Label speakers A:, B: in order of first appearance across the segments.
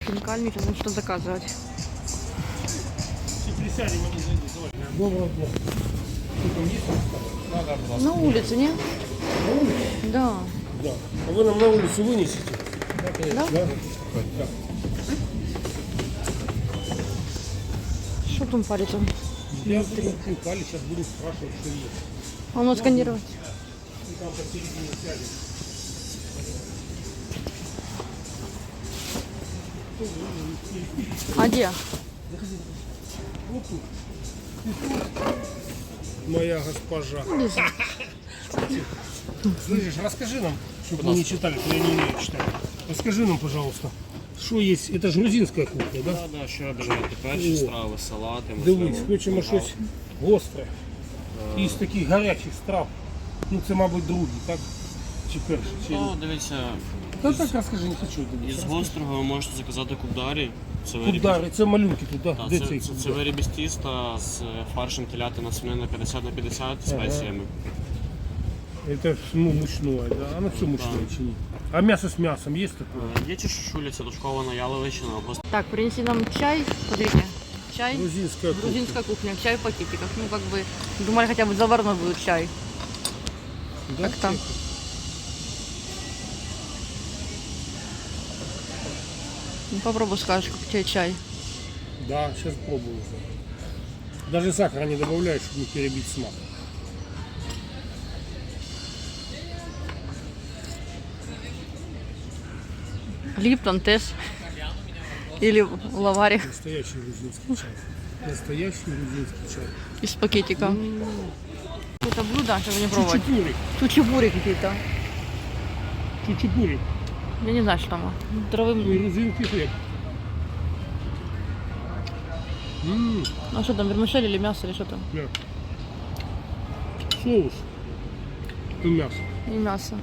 A: Хинкальный, сейчас нужно что заказывать.
B: Доброго дня.
A: На улице, не?
B: На улице?
A: Да.
B: Да. А вы нам на улицу вынесете?
A: Да?
B: Да?
A: Что там парится?
B: Я буду хинкали, сейчас буду спрашивать, что есть.
A: А ну сканировать.
B: И там посередине сядет.
A: А где?
B: Моя госпожа. Слышишь, расскажи нам, чтобы мы не читали, то я не умею читать. Расскажи нам, пожалуйста, что есть. Это же грузинская кухня, да?
C: Да, ще бажаєте перші страви, салати,
B: Дивись, хочемо щось гостре. Із таких гарячих страв. Ну це, мабуть, другі, так? Чи перші? Чи...
C: Ну, дивіться,
B: Та так розкажи, не хочу.
C: із гострого ви можете заказати кубдарі. Це
B: Кудари, це малюнки тут, так?
C: Так,
B: Де
C: це,
B: цей
C: це, це
B: кудар?
C: виріб із тіста з фаршем телятина свинина 50/50 спеціями.
B: Это ну, мучное, да? Оно все мучное, чи ні? А мясо с мясом есть такое?
C: Є чешуля, це дошкована яловичина, або
A: Так, принеси нам чай. Смотрите. Чай.
B: Грузинская кухня.
A: Грузинская кухня. Чай в пакетиках. Ну, как бы, думали, хотя бы заварной будет чай.
B: Да?
A: Как там? Ну, попробуй, скажешь, как тебе чай.
B: Да, сейчас пробую. Даже сахара не добавляешь, чтобы не перебить смак.
A: Липтон, Тесс. Или лаварик
B: Настоящий грузинский чай. Настоящий грузинский чай.
A: из пакетика. Это блюдо, чтобы не пробовать.
B: Чучупури.
A: Чучебури какие-то.
B: Чучупури.
A: Я не знаю, что там. Травы.
B: Грузинский хлеб.
A: А что там, вермишель или мясо, или что там?
B: Да. Соус. И мясо.
A: И мясо.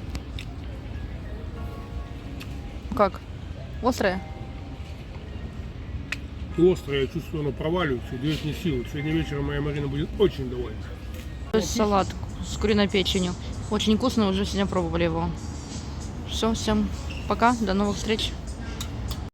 A: Как? Острое?
B: И острое, я чувствую, оно проваливается, дает мне силу. Сегодня вечером моя Марина будет очень довольна.
A: То есть салат с куриной печенью. Очень вкусно, уже сегодня пробовали его. Все, всем пока, до новых встреч.